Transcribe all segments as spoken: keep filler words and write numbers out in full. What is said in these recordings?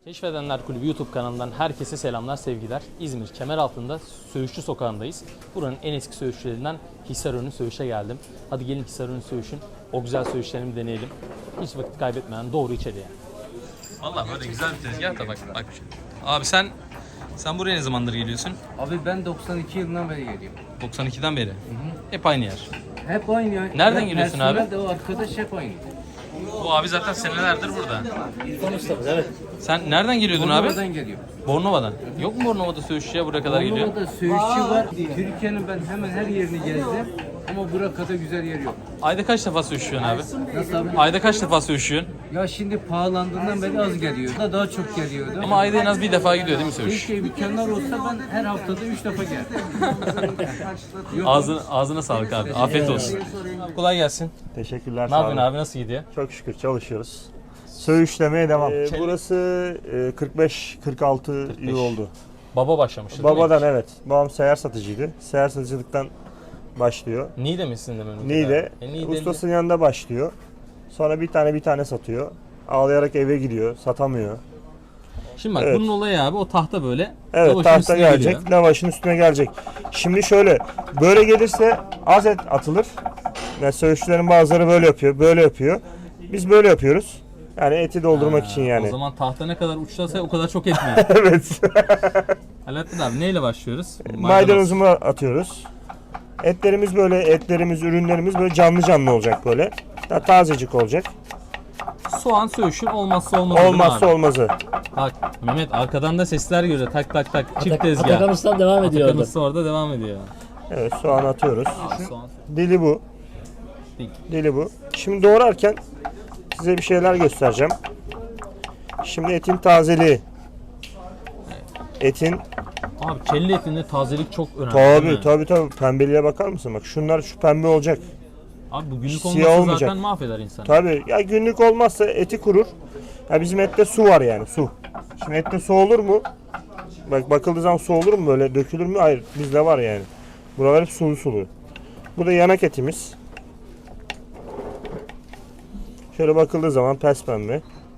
Keşfedenler Kulübü YouTube kanalından herkese selamlar, sevgiler. İzmir Kemeraltı'nda Söğüşçü Sokağı'ndayız. Buranın en eski söğüşçülerinden Hisarönü Söğüş'e geldim. Hadi gelin Hisarönü Söğüş'ün o güzel söğüşlerini deneyelim. Hiç vakit kaybetmeden doğru içeriye. Vallahi böyle güzel bir tezgah da bak. bak bir şey. Abi sen sen buraya ne zamandır geliyorsun? Abi ben doksan iki yılından beri geliyorum. doksan ikiden beri. Hı hı. Hep aynı yer. Hep aynı ya. Nereden geliyorsun abi? Personel de o arkadaş hep aynı. Bu abi zaten senelerdir burada. İrfan ustamız evet. Sen nereden geliyordun abi? Bornova'dan geliyor. Bornova'dan. Yok mu Bornova'da söğüşçüye buraya kadar geliyor? Bornova'da söğüşçü var. Türkiye'nin ben hemen her yerini gezdim. Ama buraya kadar güzel yer yok. Ayda kaç defa söğüşüyorsun abi? Nasıl abi? Ayda kaç defa söğüşüyorsun? Ya şimdi pahalandığından beri az geliyor. Da daha çok geliyordu. Ama ayda en az bir defa gidiyor değil mi söğüş? Keşke imkanlar olsa ben her haftada üç defa geldim. Ağzına, ağzına sağlık abi. Afiyet olsun. Kolay gelsin. Teşekkürler. Ne sağ yapıyorsun olun. abi? Nasıl gidiyor? Çok şükür çalışıyoruz. Söğüşlemeye devam. Ee, burası e, kırk beş kırk altı kırk beş. yıl oldu. Baba başlamıştı değil mi? Babadan evet. Babam seyyar satıcıydı. Seyyar satıcılıktan başlıyor. Niğde misin de memleket Niğde. abi? E, Niğde'li- Ustasının yanında başlıyor. Sonra bir tane bir tane satıyor. Ağlayarak eve gidiyor. Satamıyor. Şimdi bak Evet. bunun olayı abi o tahta böyle. Evet, lavaşın tahta üstüne gelecek. geliyor. Lavaşın üstüne gelecek. Şimdi şöyle. Böyle gelirse az et atılır. Yani söğüşçülerin bazıları böyle yapıyor. Böyle yapıyor. Biz böyle yapıyoruz. Yani eti doldurmak Ha, için yani. O zaman tahta ne kadar uçlarsa o kadar çok etmiyor. Evet. Alaaddin abi neyle başlıyoruz? Maydanozumu atıyoruz. Etlerimiz böyle, etlerimiz, ürünlerimiz böyle canlı canlı olacak böyle. Daha tazecik olacak. Soğan söğüşün olmazsa olmazı değil mi Olmazsa abi? olmazı. Bak Mehmet arkadan da sesler geliyor. Tak tak tak. Çift Atak- tezgah. Atakan Ustam devam ediyor Atakan orada. Usta orada devam ediyor. Evet, soğan atıyoruz. Aa, soğan. Dili bu. Dik. Dili bu. Şimdi doğrarken size bir şeyler göstereceğim. Şimdi etin tazeliği. Etin Abi kelle etinde tazelik çok önemli değil tabi mi? tabi tabi pembeliğe bakar mısın? Bak şunlar şu pembe olacak. Abi bu günlük Siyah olmasa olmayacak. zaten mahveder insanı. Tabi ya günlük olmazsa eti kurur. Ya bizim ette su var yani su. Şimdi ette su olur mu? Bak bakıldığı zaman su olur mu böyle dökülür mü? Hayır bizde var yani. Buralar hep sulu sulu. Bu da yanak etimiz. Şöyle bakıldığı zaman pes pembe.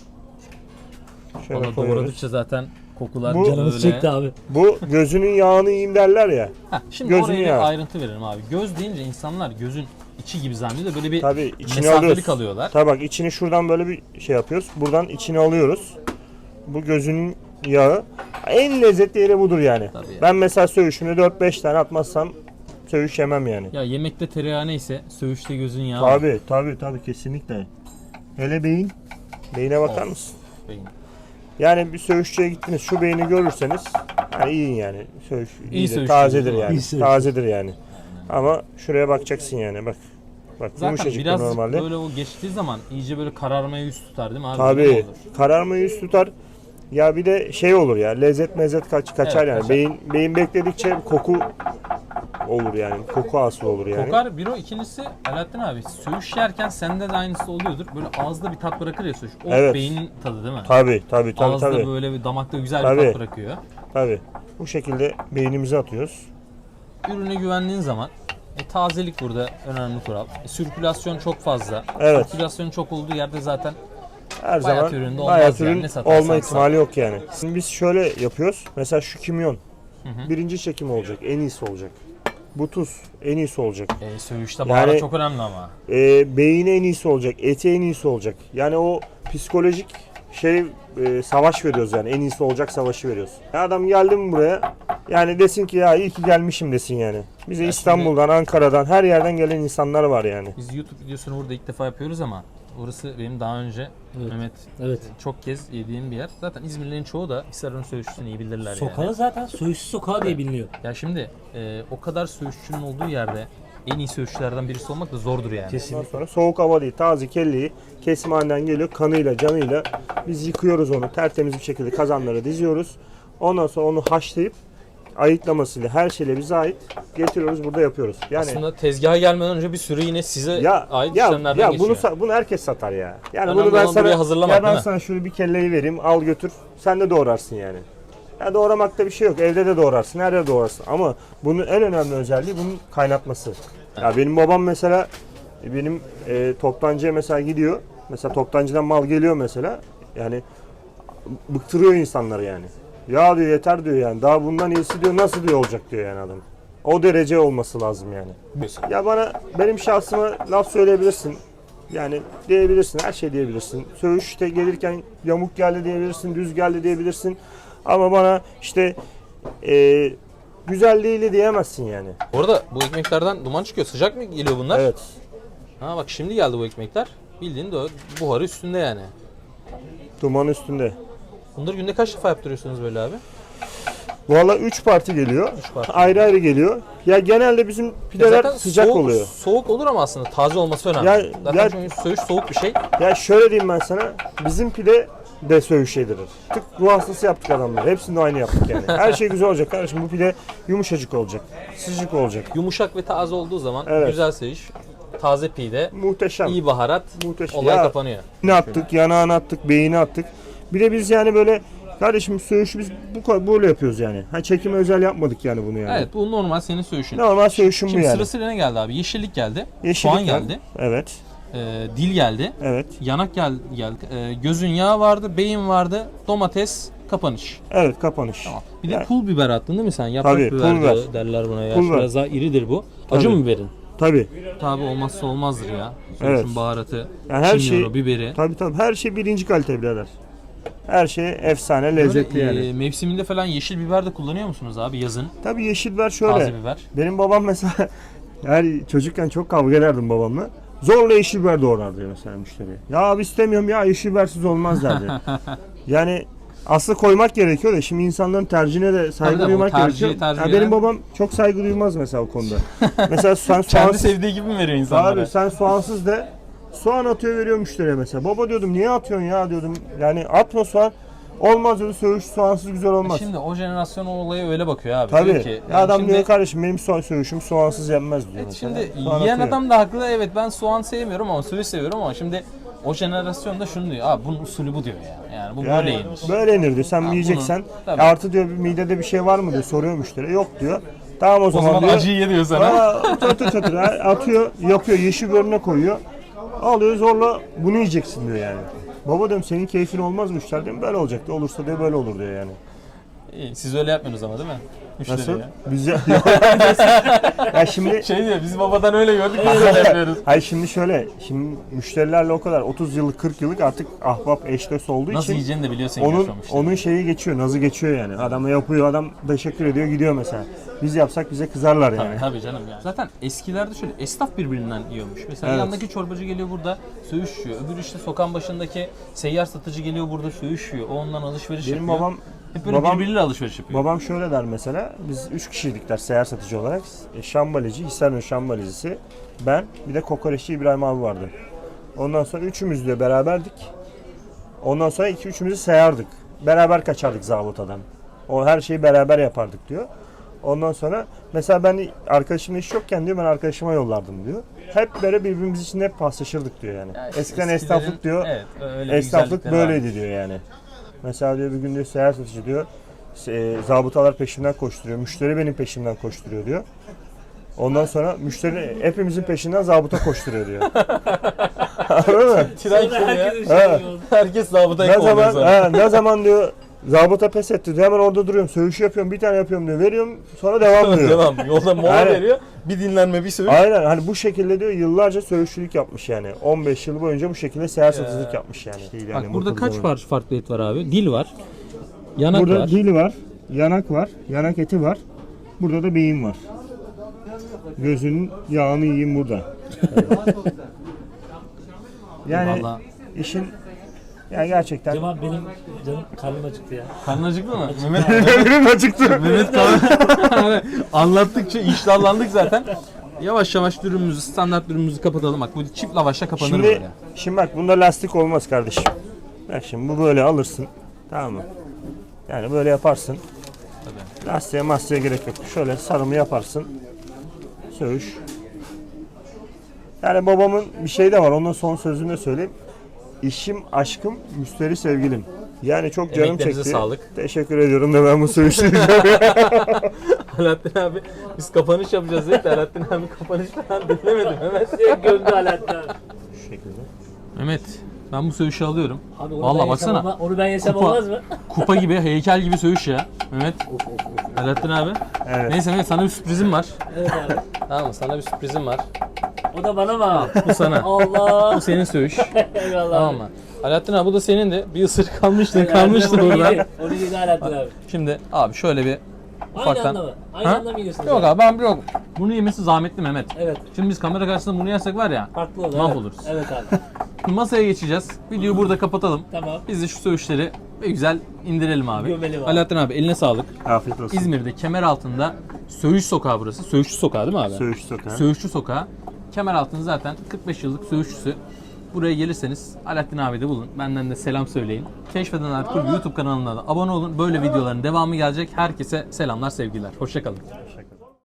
Şöyle Onu koyuyoruz. doğradıkça zaten kokular Bu- Canımız böyle. çekti abi. Bu gözünün yağını yiyeyim derler ya. Heh, şimdi Gözünü oraya bir yağı. ayrıntı verelim abi. Göz deyince insanlar gözün içi gibi zannediyor. Böyle bir Tabii içini mesafeli alıyoruz. kalıyorlar. Tabii bak içini şuradan böyle bir şey yapıyoruz. Buradan içini alıyoruz. Bu gözünün yağı. En lezzetli yeri budur yani. Tabii yani. Ben mesela söğüşümde dört beş tane atmazsam söğüş yemem yani. Ya yemekte tereyağı neyse söğüşte gözün yağı. var. Tabii tabii tabii kesinlikle. Hele beyin. Beyine bakar Of. mısın? Beyin. Yani bir söğüşçüye gittiniz şu beyni görürseniz yani yiyin yani. Söğüş iyidir, söğüş tazedir değil mi? yani. İyi söğüş. Tazedir yani. Ama şuraya bakacaksın yani bak. Bak Zaten yumuşacık biraz normalde. böyle o geçtiği zaman iyice böyle kararmaya yüz tutar değil mi abi? Tabii. Öyle mi olur? Kararma yüz tutar. Ya bir de şey olur ya lezzet mezzet kaç kaçar Evet, yani. kaçar. Beyin beyin bekledikçe koku olur yani. Koku hasıl olur yani. Kokar bir o ikincisi Alaaddin abi söğüş yerken sende de aynısı oluyordur. Böyle ağızda bir tat bırakır ya söğüş. O Evet. beynin tadı değil mi? Tabii tabii tabii Ağızda tabii. böyle bir damakta güzel bir Tabii. tat bırakıyor. Tabii. Bu şekilde beynimize atıyoruz. Ürüne güvendiğin zaman e, tazelik burada önemli kural. E, sirkülasyon çok fazla. Evet. Sirkülasyon çok olduğu yerde zaten Her Bayat zaman üründe olmaz bayat yani. ürün Ne satarsan olma sat. ihtimali yok yani. Şimdi biz şöyle yapıyoruz. Mesela şu kimyon. Birinci çekim olacak. En iyisi olacak. Bu tuz en iyisi olacak. e, söğüşte Yani- baharat çok önemli ama. E, beyni en iyisi olacak. Eti en iyisi olacak. Yani o psikolojik şey e, savaş veriyoruz yani. En iyisi olacak savaşı veriyoruz. Ya adam geldi mi buraya yani desin ki ya iyi ki gelmişim desin yani. Bize Ya İstanbul'dan, Ankara'dan her yerden gelen insanlar var yani. Biz YouTube videosunu burada ilk defa yapıyoruz ama orası benim daha önce Evet. Mehmet Evet. çok kez yediğim bir yer. Zaten İzmirlilerin çoğu da Hisarönü söğüşçüsünü iyi bilirler Sokağı yani. zaten Söğüşçü Sokağı diye biliniyor. Ya şimdi e, o kadar söğüşçünün olduğu yerde en iyi söğüşçülerden birisi olmak da zordur yani. Ondan sonra soğuk hava değil, taze kelleyi kesimhaneden geliyor kanıyla, canıyla. Biz yıkıyoruz onu tertemiz bir şekilde kazanlara diziyoruz. Ondan sonra onu haşlayıp ayıklamasıyla her şeyle bize ait getiriyoruz burada yapıyoruz. Yani Aslında tezgaha gelmeden önce bir sürü yine size ya ait ya, işlemlerden ya geçiyor. bunu sa- bunu herkes satar ya. Yani Önemli bunu ben olan sana buraya hazırlamak, ya ben değil mi? sana şöyle bir kelleyi vereyim, al götür. Sen de doğrarsın yani. Ya doğramakta bir şey yok. Evde de doğrarsın, her yerde doğrarsın. Ama bunun en önemli özelliği bunun kaynatması. Ya benim babam mesela benim e, toptancıya mesela gidiyor. Mesela toptancıdan mal geliyor mesela. Yani bıktırıyor insanları yani. Ya diyor yeter diyor yani. Daha bundan iyisi diyor nasıl diyor olacak diyor yani adam. O derece olması lazım yani. Ya bana benim şahsıma laf söyleyebilirsin. Yani diyebilirsin, her şey diyebilirsin. Söğüşte gelirken yamuk geldi diyebilirsin, düz geldi diyebilirsin. Ama bana işte e, güzel değildi diyemezsin yani. Bu arada bu ekmeklerden duman çıkıyor. Sıcak mı geliyor bunlar? Evet. Ha bak şimdi geldi bu ekmekler. Bildiğin de o buharı üstünde yani. Duman üstünde. Bunları günde kaç defa yaptırıyorsunuz böyle abi? Valla üç parti geliyor. Üç parti. Ayrı ayrı geliyor. Ya genelde bizim Ya pideler zaten sıcak soğuk, oluyor. Soğuk olur ama aslında taze olması önemli. Ya- zaten ya- çünkü söğüş soğuk bir şey. Ya şöyle diyeyim ben sana. Bizim pide de söğüş yedirir. Tık ruh hastası yaptık adamları. Hepsini de aynı yaptık yani. Her şey güzel olacak kardeşim. Bu pide yumuşacık olacak. Sıcak olacak. Yumuşak ve taze olduğu zaman Evet. güzel söğüş, taze pide, Muhteşem. iyi baharat, Muhteşem. olay Ya- kapanıyor. Ne attık, yanağını attık, beyni attık. Bir de biz yani böyle kardeşim söğüşü biz bu kadar böyle yapıyoruz yani. Ha çekime özel yapmadık yani bunu yani. Evet bu normal senin söğüşün. Normal söğüşüm bu Şimdi yani. sırasıyla ne geldi abi? Yeşillik geldi, Yeşillik soğan var. geldi, Evet. e, dil geldi, Evet. yanak gel, geldi, e, gözün yağı vardı, beyin vardı, domates, kapanış. Evet kapanış. Tamam. Bir de Yani- pul biber attın değil mi sen? Yaprak Tabii, biber pul biber. de- derler buna ya. Pul Şu biber. Biraz daha iridir bu. Acı Tabii. mı biberin? Tabii. Tabi olmazsa olmazdır ya. Söğüşün Evet. baharatı, Yani her kimyonu, şey- biberi. Tabii tabii. Her şey birinci kalite birader. Her şey efsane, lezzetli Böyle, yani. e, mevsiminde falan yeşil biber de kullanıyor musunuz abi yazın? Tabii yeşil biber şöyle. Taze biber. Benim babam mesela yani çocukken çok kavga ederdim babamla. Zorla yeşil biber doğrardı mesela müşteriye. Ya abi istemiyorum ya yeşil bibersiz olmaz derdi. Yani aslında koymak gerekiyor da şimdi insanların tercihine de saygı Tabii, duymak tabii, o tercihi gerekiyor. tercih Ya eden- benim babam çok saygı duymaz mesela o konuda. mesela sen soğan Kendi sevdiği gibi mi veriyor insanlara? abi sen soğansız de soğan atıyor veriyor müşteriye mesela. Baba diyordum niye atıyorsun ya diyordum. Yani atma soğan. Olmaz diyordu söğüş soğansız güzel olmaz. Şimdi o jenerasyon o olaya öyle bakıyor abi. Tabii. Diyor ki, Ya yani adam şimdi, diyor kardeşim benim soğan söğüşüm soğansız yenmez diyor. Evet, mesela. şimdi Soğan yiyen atıyor. adam da haklı. Evet ben soğan sevmiyorum ama söğüş seviyorum ama şimdi o jenerasyon da şunu diyor. Abi bunun usulü bu diyor ya. Yani bu böyle Yani yenir. böyle yenir diyor. Sen Ha, yiyeceksen bunu- tabii. artı diyor bir midede bir şey var mı diyor soruyor müşteri. Yok diyor. Tamam o O zaman, zaman diyor. acıyı ye diyor sana. Aa, tır tır tır, atıyor, yapıyor, yeşil biberine koyuyor. Alıyor zorla bunu yiyeceksin diyor yani. Baba diyorum senin keyfin olmaz müşteri diyorum böyle olacak diyor. Olursa diyor böyle olur diyor yani. İyi, siz öyle yapmıyorsunuz ama değil mi? Müşteriye. Nasıl? Biz ya, ya şimdi Şey diyor biz babadan öyle gördük biz öyle yapıyoruz. hayır şimdi şöyle şimdi müşterilerle o kadar otuz yıllık kırk yıllık artık ahbap eş dost olduğu Nasıl için yiyeceğini de biliyorsun onun yaşamıştı. onun şeyi geçiyor, nazı geçiyor yani. Adam yapıyor, adam teşekkür ediyor, gidiyor mesela. Biz yapsak bize kızarlar yani. Tabii, tabii canım yani. Zaten eskilerde şöyle esnaf birbirinden yiyormuş. Mesela Evet. yandaki çorbacı geliyor burada söğüş yiyor. Öbür işte sokağın başındaki seyyar satıcı geliyor burada söğüş yiyor. O ondan alışveriş Benim yapıyor. babam Hep böyle babam- birbiriyle alışveriş yapıyor. babam şöyle der mesela. Biz üç kişiydik der seyyar satıcı olarak. E, Şambalici, Hisarönü Şambalicisi, ben, bir de kokoreççi İbrahim abi vardı. Ondan sonra üçümüz de beraberdik. Ondan sonra iki üçümüzü sayardık. Beraber kaçardık zabıtadan. O her şeyi beraber yapardık diyor. Ondan sonra mesela ben arkadaşımla iş yokken diyor ben arkadaşıma yollardım diyor. Hep böyle birbirimiz için hep paslaşırdık diyor yani. Ya işte Eskiden eskilerin- esnaflık diyor. Evet, öyle bir Esnaflık güzellikleri böyleydi varmış. diyor yani. Mesela diyor bir gün diyor seyyar satıcı diyor. E, zabıtalar peşimden koşturuyor. Müşteri benim peşimden koşturuyor diyor. Ondan sonra müşteri hepimizin peşinden zabıta koşturuyor diyor. Anladın mı? Tren kim ya? Herkesin Ha. şeyi oldu. Herkes zabıtayı Ne kovalıyor zaman sonra. ha, ne zaman diyor zabıta pes etti diyor. Hemen orada duruyorum. Söğüşü yapıyorum. Bir tane yapıyorum diyor. Veriyorum. Sonra devam diyor. Devam. Yolda mola Aynen. veriyor. Bir dinlenme, bir söğüş. Aynen hani bu şekilde diyor yıllarca söğüşçülük yapmış yani. on beş yıl boyunca bu şekilde seyahat satıcılık yapmış yani. Bak Yani burada mutlu kaç zaman. farklı farklı et var abi? Dil var. Yanak Burada var. dil var, yanak var, yanak eti var. Burada da beyin var. Gözünün yağını yiyeyim burada. yani Vallahi. işin yani gerçekten Cemal benim canım karnım acıktı ya. Karnın acıktı mı? Mehmet benim acıktı. Mehmet kan- anlattıkça iştahlandık zaten. Yavaş yavaş dürümümüzü, standart dürümümüzü kapatalım. Bak bu çift lavaşla kapanır Şimdi böyle. şimdi bak bunda lastik olmaz kardeşim. Bak şimdi bu böyle alırsın. Tamam mı? Yani böyle yaparsın. Lastiğe mastiğe gerek yok. Şöyle sarımı yaparsın. Söğüş. Yani babamın bir şey de var. Onun son sözünü de söyleyeyim. İşim, aşkım, müşteri sevgilim. Yani çok canım Emeklerinize çekti. sağlık. Teşekkür ediyorum da ben bu söğüşü Alaaddin abi biz kapanış yapacağız dedik de Alaaddin abi kapanış falan dinlemedim Mehmet. Gömdü Alaaddin abi. Şu şekilde. Mehmet Ben bu söğüşü alıyorum. Abi onu Vallahi ben yesem baksana. olma- onu ben yesem Kupa- olmaz mı? Kupa gibi, heykel gibi söğüş ya. Mehmet. Of of of. Alaaddin abi. Evet. Neyse Mehmet, sana bir sürprizim var. Evet abi. Tamam mı? Sana bir sürprizim var. O da bana mı? Bu sana. Allah. Bu senin söğüş. Eyvallah. Tamam mı? Alaaddin abi bu da senin de. Bir ısırık kalmıştı, Abi, kalmıştı onu burada. yedi, Onu yedi Alaaddin abi. Şimdi abi şöyle bir Aynı ufaktan. anda mı? Aynı Ha? anda mı yiyorsunuz? Yok abi ben yok. Bunu yemesi zahmetli Mehmet. Evet. Şimdi biz kamera karşısında bunu yersek var ya, Farklı olur. mahvoluruz. Evet. evet abi. Şimdi masaya geçeceğiz. Videoyu burada kapatalım. Tamam. Biz de şu söğüşleri bir güzel indirelim abi. Gömelim abi. Alaaddin abi eline sağlık. Afiyet olsun. İzmir'de Kemeraltı'nda Söğüş Sokağı burası. Söğüşçü Sokağı değil mi abi? Söğüş Sokağı. Söğüşçü Sokağı. Kemeraltı'nın zaten kırk beş yıllık söğüşçüsü. Buraya gelirseniz Alaaddin abi de bulun. Benden de selam söyleyin. Keşfeden Ertuğrul YouTube kanalına da abone olun. Böyle videoların devamı gelecek. Herkese selamlar, sevgiler. Hoşça kalın. Teşekkür